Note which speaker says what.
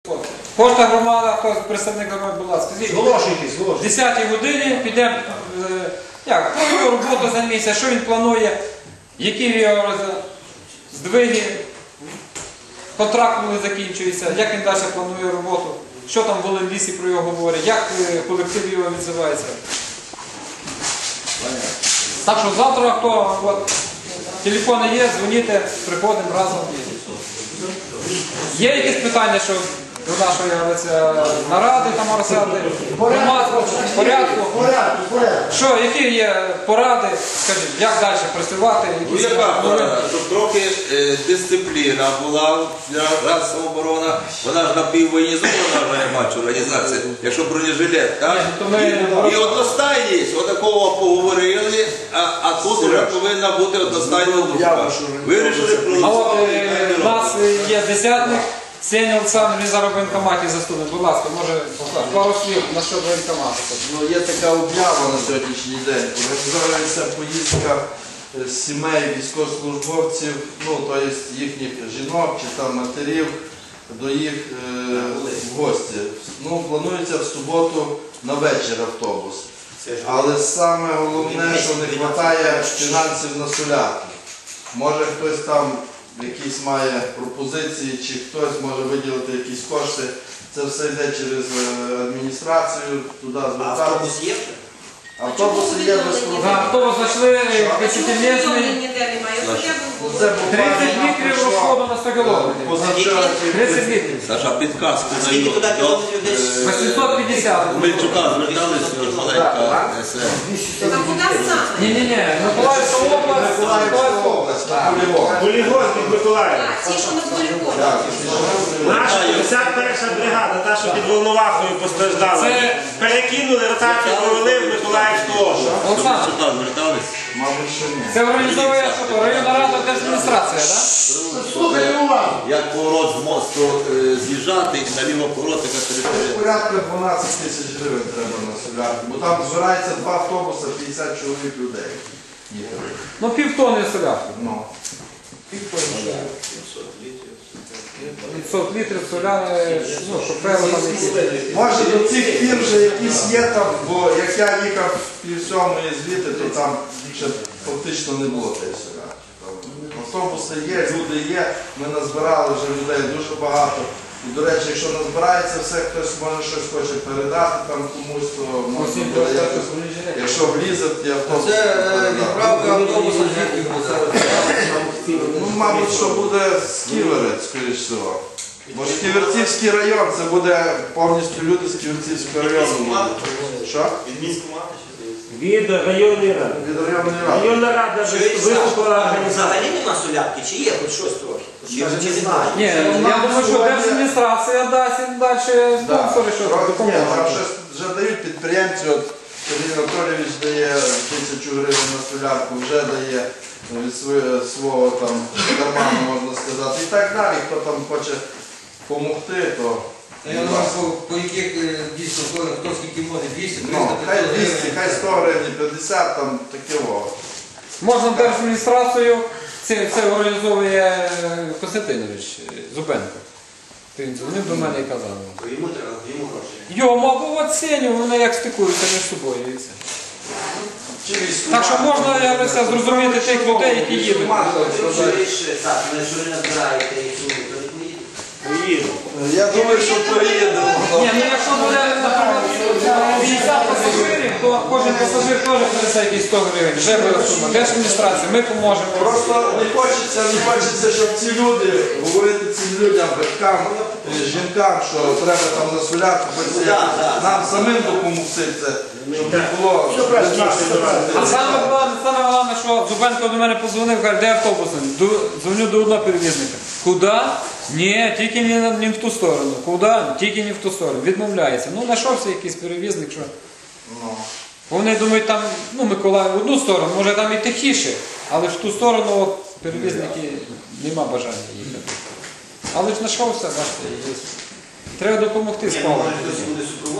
Speaker 1: Кожна громада, хто представник громади, будь ласка, скажіть, в 10-й годині підемо, про його роботу за місяць, що він планує, які його здвиги, контракт коли закінчується, як він далі планує роботу, що там в Волинлісі про його говорять, як колектив його відзивається. Так що завтра, хто телефони є, дзвоніть, приходимо разом. Є якісь питання, що до нашої наради там розсяди, порядку? Що, які є поради, скажіть, як далі працювати?
Speaker 2: Яка порада? Щоб трохи дисципліна була для самооборона, вона ж напіввоєнізована вже організація, якщо бронежилет, так? І одностайність, отакого поговорили, а тут вже повинна бути одностайна думка. Вирішили проголосувати.
Speaker 1: У нас є десятник. Сеня Олександр, він зараз в воєнкоматі заступник. Будь ласка, може пару слів на що воєнкомату.
Speaker 3: Є така об'ява на сьогоднішній день. Організовується поїздка сімей військовослужбовців, тобто їхніх жінок чи там матерів, до їх в гості. Планується в суботу на вечір автобус. Але саме головне, що не вистачає фінансів на солярку. Може хтось там якісь має пропозиції, чи хтось може виділити якісь кошти. Це все йде через адміністрацію, туди звертатися.
Speaker 4: Автобус є?
Speaker 3: Автобуси є без проблем.
Speaker 1: Автобус зайшли 10-місний, 30 літрів розходу на 100 кілометрів. 30 літрів.
Speaker 2: Саша, підказку
Speaker 4: Скільки туди
Speaker 2: даю.
Speaker 4: кілометрів десь?
Speaker 1: 850.
Speaker 2: Мельчука зверталися, маленька СМ.
Speaker 5: Там куди саме?
Speaker 1: Ні, Миколаївська область.
Speaker 6: Полігон під Миколаєвом.
Speaker 5: Ті, що на полігоні.
Speaker 6: Наша 51-ша бригада, та, що під Волновахою постраждала.
Speaker 1: Це-
Speaker 6: Перекинули, ротацію провели в Миколаївську область.
Speaker 1: Олександр,
Speaker 2: Мельчука звертались.
Speaker 3: Мабуть, що ні.
Speaker 1: це організовує що? Районна рада держадміністрація, так?
Speaker 2: Як поворот з мосту з'їжджати і наліво поворот, яка територія.
Speaker 3: Порядка 12 тисяч гривень треба на солярку, бо там збирається 2 автобуси, 50 чоловік людей. Їхали.
Speaker 1: Півтонни солярки.
Speaker 3: Півтонни.
Speaker 1: 500 літрів соляри, щоб певно там якісь.
Speaker 3: Може до цих пір вже якісь є там, бо як я їхав пів сьомої звідти, то там ще фактично не було тієї солярки. Автобуси є, люди є, ми назбирали вже людей дуже багато. І, до речі, якщо назбирається все, хтось може щось хоче передати там комусь, то можна буде якось, якщо влізе, ті автобуси.
Speaker 4: Це відправка автобуса звідки буде?
Speaker 3: Мабуть, що буде з Ківерець, скоріш всього. Бо ж Ківерцівський район, це буде повністю люди з Ківерцівського району. Що?
Speaker 6: Від міськомату чи від районної ради.
Speaker 3: Від районної ради.
Speaker 6: Районна рада виступила організація.
Speaker 4: Взагалі нема солярки, чи є хоч щось трохи? Чи немає?
Speaker 1: Ні, я думаю, що держадміністрація дасть і далі спонсори, що
Speaker 3: Ні, там
Speaker 1: допомогти.
Speaker 3: щось вже дають підприємці, от Сергій Анатолійович дає 1000 гривень на солярку, вже дає від свого там карману, можна сказати. І так далі, хто там хоче допомогти, то...
Speaker 4: Я думаю, по яких дійсно, хто скільки може, 200, 300,
Speaker 3: Хай
Speaker 4: 500
Speaker 3: 200,
Speaker 4: гривень.
Speaker 3: хай 100 гривень, 50, там таке во.
Speaker 1: Можна держадміністрацію, це організовує Костянтинович Зубенко. Він дзвонив до мене і казав.
Speaker 4: Йому треба, йому гроші.
Speaker 1: Його, мабуть, Сеню, вони як стикуються між собою. І все. Так що можна, я говорю, зрозуміти тих людей, які їдуть.
Speaker 4: Так, якщо ви назбираєте і суму, то не їдете.
Speaker 6: Поїду.
Speaker 3: Я думаю, що поїдемо.
Speaker 1: Ні, якщо буде, наприклад, 50 пасажирів, то кожен пасажир теж принесе якісь 100 гривень. Вже буде сума. Держадміністрація, ми поможемо.
Speaker 3: Просто не хочеться, щоб ці люди, говорити цим людям, батькам, жінкам, що треба там на солярку, нам самим допомогти це, щоб не було.
Speaker 1: А саме головне, що Зубенко до мене подзвонив, каже, де автобус? Дзвоню до одного перевізника. Куди? Ні, тільки не в ту сторону. Куди? Тільки не в ту сторону. Відмовляється. Знайшовся якийсь перевізник, що... Вони думають, там, Миколаїв в одну сторону, може там і тихіше, але в ту сторону перевізники нема бажання їхати. Але ж знайшовся, бачите, є. Треба допомогти з паливом.